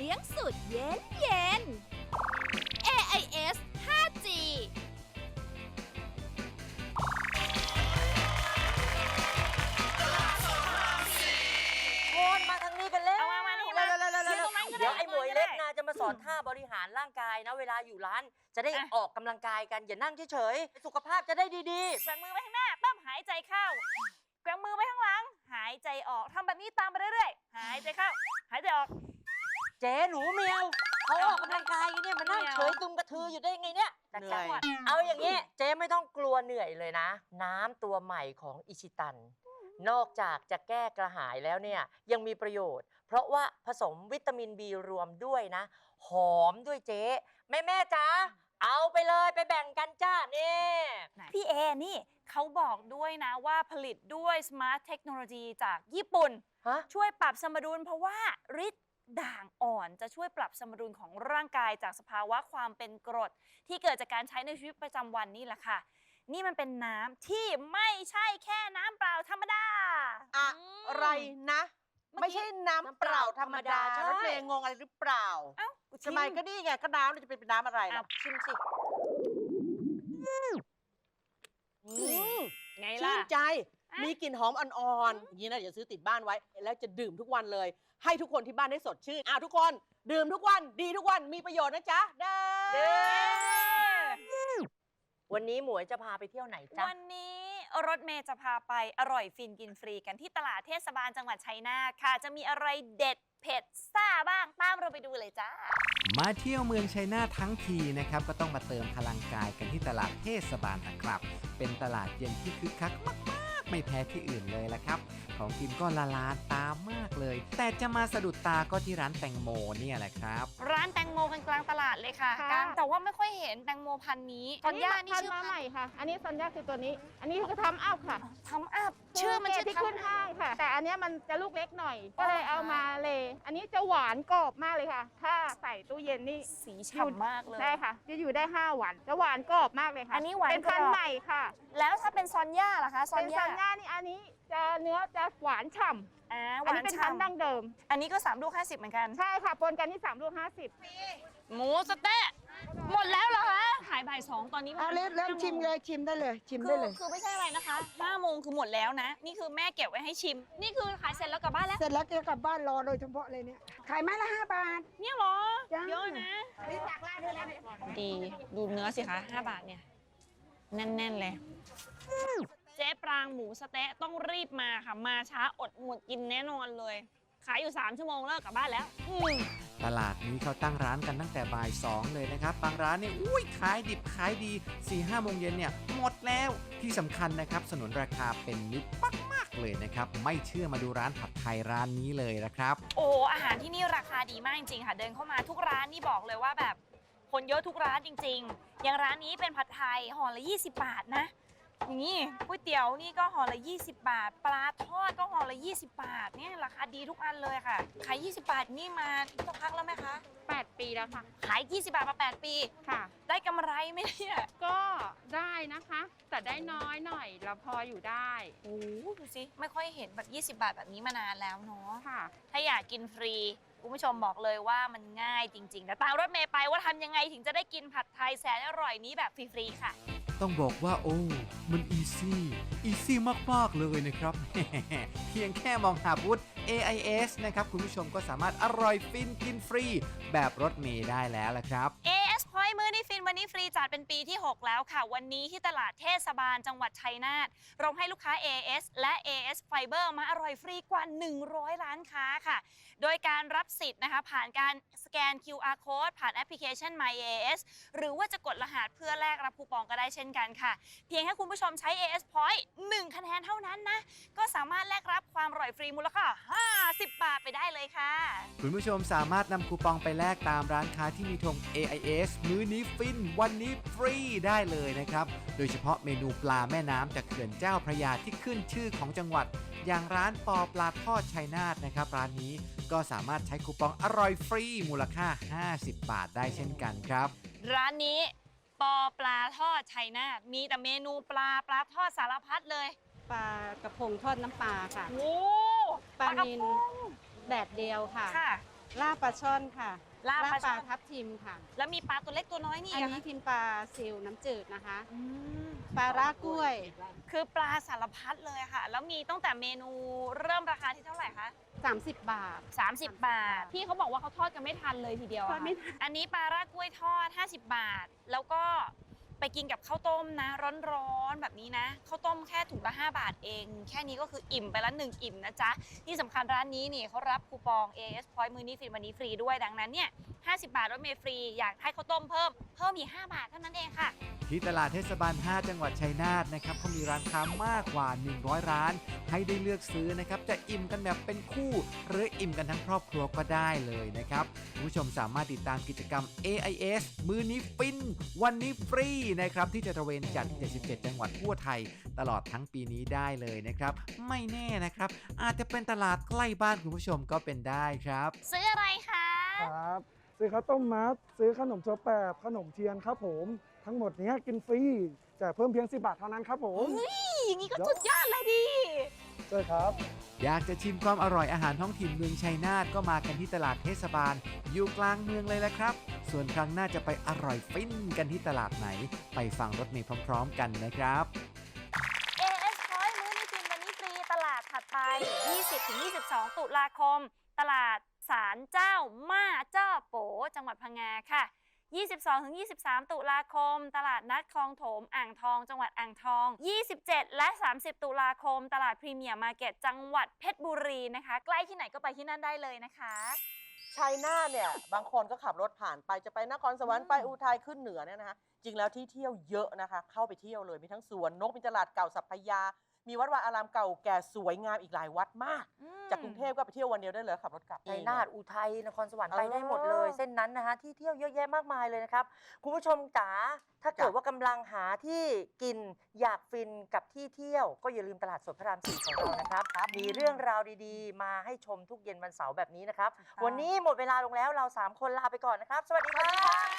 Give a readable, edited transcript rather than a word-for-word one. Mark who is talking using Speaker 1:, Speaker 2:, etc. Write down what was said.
Speaker 1: ลี้ยงสุดเย็นเย็น AIS 5G
Speaker 2: โอนมาทางนี้กันแล้ว
Speaker 3: เอามานี่มา
Speaker 2: เดี๋ยวไอ้หมวยเล็กนะจะมาสอนท่าบริหารร่างกายนะเวลาอยู่ร้านจะได้ออกกำลังกายกันอย่านั่งเฉยๆสุขภาพจะได้ดี
Speaker 3: แกว่งมือไปข้างหน้าปั๊บหายใจเข้าแกว่งมือไปข้างหลังหายใจออกทำแบบนี้ตามไปเรื่อยๆหายใจเข้าหายใจออก
Speaker 2: ๆเจ๊หนูเมียวเขาออกกำลังกายกันเนี่ยมานั่งเฉยตุ่มกระทืออยู่ได้ไงเนี่ย
Speaker 3: เหนื่อย
Speaker 2: เอาอย่างนี้เจ๊ไม่ต้องกลัวเหนื่อยเลยนะน้ำตัวใหม่ของอิชิตันนอกจากจะแก้กระหายแล้วเนี่ยยังมีประโยชน์เพราะว่าผสมวิตามิน B รวมด้วยนะหอมด้วยเจ๊แม่จ๋าเอาไปเลยไปแบ่งกันจ้านี่
Speaker 3: พี่เอนี่เขาบอกด้วยนะว่าผลิตด้วย Smart Technology จากญี่ปุ่น
Speaker 2: ฮะ
Speaker 3: ช่วยปรับสมดุลเพราะว่าฤทธิ์ด่างอ่อนจะช่วยปรับสมดุลของร่างกายจากสภาวะความเป็นกรด ที่เกิดจากการใช้ในชีวิตประจำวันนี่แหละค่ะ นี่มันเป็นน้ำที่ไม่ใช่แค่น้ำเปล่าธรรมดา
Speaker 4: อะไรนะ ไม่ใช่น้ำเปล่าธรรมดา
Speaker 2: ใช่
Speaker 4: รถเมย์งงอะไรหรือเปล่า
Speaker 3: เอ้า
Speaker 4: ทำไมก็นี่ไงก็น้ำเราจะเป็นน้ำอะไรล่ะ
Speaker 2: ชิมสิ
Speaker 3: ไง
Speaker 4: ชื่
Speaker 3: ล่ะ
Speaker 4: นใจ
Speaker 3: อ่ะ
Speaker 4: มีกลิ่นหอมอ่อนๆอย่างนี้นะเดี๋ยวซื้อติดบ้านไว้ แล้วจะดื่มทุกวันเลย ให้ทุกคนที่บ้านได้สดชื่นทุกคนดื่มทุกวันดีทุกวันมีประโยชน์นะจ๊ะเด้อ
Speaker 2: วันนี้หมวยจะพาไปเที่ยวไหนจ๊ะ
Speaker 3: วันนี้รถเมย์จะพาไปอร่อยฟินกินฟรีกันที่ตลาดเทศบาลจังหวัดชัยนาทค่ะ จะมีอะไรเด็ดเผ็ดซ่าบ้างตามเราไปดูเลยจ้า
Speaker 5: มาเที่ยวเมืองชัยนาททั้งทีนะครับก็ต้องมาเติมพลังกายกันที่ตลาดเทศบาลนะครับ เป็นตลาดเย็นที่คึกคักมากๆไม่แพ้ที่อื่นเลยละครับ ของกินก็ละลานตามากเลย แต่จะมาสะดุดตาก็ที่ร้านแตงโมเนี่ยแหละครับ
Speaker 3: ร้านแตงโมกันกลางตลาดเลยค่ะ
Speaker 6: ค่ะ
Speaker 3: กลางแต่ว่าไม่ค่อยเห็นแตงโมพันธุ์นี้ตอนย่านี่
Speaker 6: พัน
Speaker 3: ชื่อ
Speaker 6: มาใหม่ค่ะ อันนี้ซันย่าคือตัวนี้ อันนี้คือทำอัพค่ะ
Speaker 3: ทำอัพชื่อมันชื่อ
Speaker 6: ที่
Speaker 3: ทำ
Speaker 6: ขึ้นห้างค่ะ แต่อันเนี้ยมันจะลูกเล็กหน่อย ก็เลยเอามาเลย อันนี้จะหวานกรอบมากเลยค่ะ ถ้าใส่ตู้เย็นนี่
Speaker 3: สีฉ่ำมากเลย
Speaker 6: ได้ค่ะ จะอยู่ได้5 วัน จะหวานกรอบมากเลยค่ะ
Speaker 3: อันนี้หวาน
Speaker 6: เป็นพัน
Speaker 3: กรอบ
Speaker 6: ธุ์ใหม่ค่ะ
Speaker 3: แล้วถ้าเป็นซอนย่าล่ะคะซอ
Speaker 6: เป็น น
Speaker 3: ย่า
Speaker 6: ซันย่านี่อันนี้จะเนื้อจะหวานฉ่ำ
Speaker 3: ห
Speaker 6: อัน
Speaker 3: วา
Speaker 6: นี้
Speaker 3: น
Speaker 6: เป็นพันธุ์ดั้ง
Speaker 3: ฉ่ำ
Speaker 6: เดิม
Speaker 3: อันนี้ก็3 ลูก 50เหมือนกัน
Speaker 6: ใช่ค่ะปนกันที่3 ลูก 50
Speaker 3: หมูสะเต๊ะหมดแล้วเหรอคะขายบ่าย 2ตอนนี้
Speaker 7: เอาเริ่มชิมเลยชิมได้เลยชิมได้เลย
Speaker 3: คือไม่ใช่อะไรนะคะ5 โมงคือหมดแล้วนะ นี่คือแม่เก็บไว้ให้ชิม นี่คือขายเสร็จแล้วกลับบ้านแล้ว
Speaker 7: เสร็จแล้วจะกลับบ้านรอโดยเฉพาะเลยเนี่ยขายไม้ละ5 บาท
Speaker 3: เนี่ยเหรอ
Speaker 7: จ้า
Speaker 3: เยอะนะ ดีดูเนื้อสิคะ5 บาทเนี่ย แน่น ๆ เลย เจ๊ปรางหมูสะเต๊ะต้องรีบมาค่ะ มาช้าอดหมดกินแน่นอนเลย ขายอยู่3 ชั่วโมงเลิกกลับบ้านแล้ว
Speaker 5: ตลาดนี้เขาตั้งร้านกันตั้งแต่บ่าย 2 เลยนะครับ บางร้านเนี่ยขายดิบขายดี 4-5 โมงเย็นเนี่ยหมดแล้ว ที่สำคัญนะครับสนุนราคาเป็นมิตรมากๆเลยนะครับ ไม่เชื่อมาดูร้านผัดไทยร้านนี้เลยนะครับ
Speaker 3: โอ้อาหารที่นี่ราคาดีมากจริงๆค่ะ เดินเข้ามาทุกร้านนี่บอกเลยว่าแบบคนเยอะทุกร้านจริงๆ อย่างร้านนี้เป็นผัดไทยห่อละ20 บาทนะ อย่างนี้ก๋วยเตี๋ยวนี่ก็ห่อละ20 บาท ปลาทอดก็ห่อละ20 บาทเนี่ยราคาดีทุกอันเลยค่ะ ขาย20 บาทนี่มาสักพักแล้วไหมคะ
Speaker 6: 8 ปีแล้วค่ะ
Speaker 3: ขาย20 บาทมา8 ปี
Speaker 6: ค่ะ
Speaker 3: ได้กำไรไหมเนี่ย
Speaker 6: ก็ได้นะคะ แต่ได้น้อยหน่อยเราพออยู่ได้
Speaker 3: โอ้ดูสิไม่ค่อยเห็นแบบ20 บาทแบบนี้มานานแล้วเนาะ
Speaker 6: ค่ะ
Speaker 3: ถ้าอยากกินฟรีคุณผู้ชมบอกเลยว่ามันง่ายจริงๆแต่ตามรถเมย์ไปว่าทำยังไงถึงจะได้กินผัดไทยแสนอร่อยนี้แบบฟรีๆค่ะ
Speaker 5: ต้องบอกว่ามันอีซี่มากๆเลยนะครับ เพียงแค่มองหาบูธ AIS นะครับคุณผู้ชมก็สามารถอร่อยฟินกินฟรีแบบรถเมย์ได้แล้วละครับ
Speaker 3: AS Point มื้อนี้ฟินวันนี้ฟรีจัดเป็นปีที่ 6 แล้วค่ะ วันนี้ที่ตลาดเทศบาลจังหวัดชัยนาทเราให้ลูกค้า AS และ AS Fiber มาอร่อยฟรีกว่า 100 ร้านค้าค่ะ โดยการรับสิทธิ์นะคะผ่านการสแกน QR Code ผ่านแอปพลิเคชัน My AS หรือว่าจะกดรหัสเพื่อแลกรับคูปองก็ได้เช่นกันค่ะ เพียงแค่คุณผู้ชมใช้ AS Point 1 คะแนนเท่านั้นนะก็สามารถแลกรับความอร่อยฟรีมูลค่า50 บาทไปได้เลยค่ะ
Speaker 5: คุณผู้ชมสามารถนำคูปองไปแลกตามร้านค้าที่มีธง AIS มื้อนี้ฟินวันนี้ฟรีได้เลยนะครับ โดยเฉพาะเมนูปลาแม่น้ำจากเขื่อนเจ้าพระยาที่ขึ้นชื่อของจังหวัด อย่างร้านปอปลาทอดชัยนาทนะครับร้านนี้ก็สามารถใช้คูปองอร่อยฟรีมูลค่า50 บาทได้เช่นกันครับ
Speaker 3: ร้านนี้ปอปลาทอดชัยนาทมีแต่เมนูปลาทอดสารพัดเลย
Speaker 8: ปลากระพงทอดน้ำปลาค่ะ
Speaker 3: โอ้
Speaker 8: ปลา
Speaker 3: ระ
Speaker 8: นิล
Speaker 3: พง
Speaker 8: แดดเดียวค่ะ
Speaker 3: ค่ะ
Speaker 8: ลาบปลาช่อนค่ะ
Speaker 3: ลาบปลาช่อน
Speaker 8: ทับทิมค่ะ
Speaker 3: แล้วมีปลาตัวเล็กตัวน้อยนี่
Speaker 8: อัน
Speaker 3: อะ
Speaker 8: นี้
Speaker 3: คะ
Speaker 8: ทิมปลาซิลน้ำจืดนะคะ
Speaker 3: อืม
Speaker 8: ปลาร่ากล้วย
Speaker 3: คือปลาสารพัดเลยค่ะ แล้วมีตั้งแต่เมนูเริ่มราคาที่เท่าไหร่คะ
Speaker 8: 30 บาท
Speaker 3: 30 บาท พี่เขาบอกว่าเขาทอดกันไม่ทันเลยทีเดียว
Speaker 8: ทอ
Speaker 3: อะ
Speaker 8: ดไม่
Speaker 3: ค่ะอันนี้ปลาร่ากล้วยทอด 50 บาท แล้วก็ไปกินกับข้าวต้มนะ ร้อนๆแบบนี้นะข้าวต้มแค่ถุงละ5 บาทเอง แค่นี้ก็คืออิ่มไปละ1อิ่มนะจ๊ะที่สำคัญร้านนี้นี่เขารับคูปอง AS Point มื้อนี้ฟรีวันนี้ฟรีด้วยดังนั้นเนี่ย50 บาทรถเมล์ฟรีอยากให้ข้าวต้มเพิ่มอีก5 บาทเท่านั้นเองค่ะ
Speaker 5: ที่ตลาดเทศบาล 5 จังหวัดชัยนาทนะครับเขามีร้านค้ามากกว่า 100 ร้าน ให้ได้เลือกซื้อนะครับ จะอิ่มกันแบบเป็นคู่ หรืออิ่มกันทั้งครอบครัวก็ได้เลยนะครับคุณผู้ชมสามารถติดตามกิจกรรม AIS มื้อนี้ฟิน วันนี้ฟรีนะครับ ที่จะตระเวนจัด 77 จังหวัดทั่วไทย ตลอดทั้งปีนี้ได้เลยนะครับ ไม่แน่นะครับ อาจจะเป็นตลาดใกล้บ้านคุณผู้ชมก็เป็นได้ครับ
Speaker 3: ซื้ออะไรคะ
Speaker 9: ครับ ซื้อข้าวต้มมัดซื้อขนมถั่วแปบขนมเทียนครับผม ทั้งหมดเนี้ยกินฟรีแต่เพิ่มเพียง10 บาทเท่านั้นครับผม
Speaker 3: อย่างนี้ก็สุดยอดเลยดิ
Speaker 9: ใช่ครับ
Speaker 5: อยากจะชิมความอร่อยอาหารท้องถิ่นเมืองชัยนาทก็มากันที่ตลาดเทศบาล อยู่กลางเมืองเลยแหละครับ ส่วนครั้งหน้าจะไปอร่อยฟินกันที่ตลาดไหน ไปฟังรถเมล์พร้อมๆ กันนะครับ
Speaker 3: AS Point มื้อนี้กินวันนี้ฟรีตลาดถัดไป 20-22 ตุลาคม ตลาดศาลเจ้าม่าเจ้าโปจังหวัดพังงาค่ะ 22-23 ตุลาคม ตลาดนัดคลองโถมอ่างทอง จังหวัดอ่างทอง 27 และ 30 ตุลาคม ตลาดพรีเมียร์มาร์เก็ตจังหวัดเพชรบุรีนะคะ ใกล้ที่ไหนก็ไปที่นั่นได้เลยนะคะ
Speaker 4: ชัยนาทเนี่ยบางคนก็ขับรถผ่านไปจะไปนครสวรรค์ไปอุทัยขึ้นเหนือเนี่ยนะคะจริงแล้วที่เที่ยวเยอะนะคะ เข้าไปเที่ยวเลยมีทั้งสวนนกมีตลาดเก่าสัพพยา มีวัดวาอารามเก่าแก่สวยงามอีกหลายวัดมาก จากกรุงเทพก็ไปเที่ยววันเดียวได้เลยขับรถกลับ
Speaker 2: ชัยนาทอุทัยนครสวรรค์
Speaker 4: เออ
Speaker 2: ไปได้หมดเลย เส้นนั้นนะคะที่เที่ยวเยอะแยะมากมายเลยนะครับ คุณผู้ชมจ๋าถ้าเกิดว่ากำลังหาที่กินอยากฟินกับที่เที่ยว ก็อย่าลืมตลาดสดพระราม 4 ของเรานะครับ มีเรื่องราวดีๆ มาให้ชมทุกเย็นวันเสาร์แบบนี้นะครับ วันนี้หมดเวลาลงแล้วเรา 3 คนลาไปก่อนนะครับ สวัสดีครับ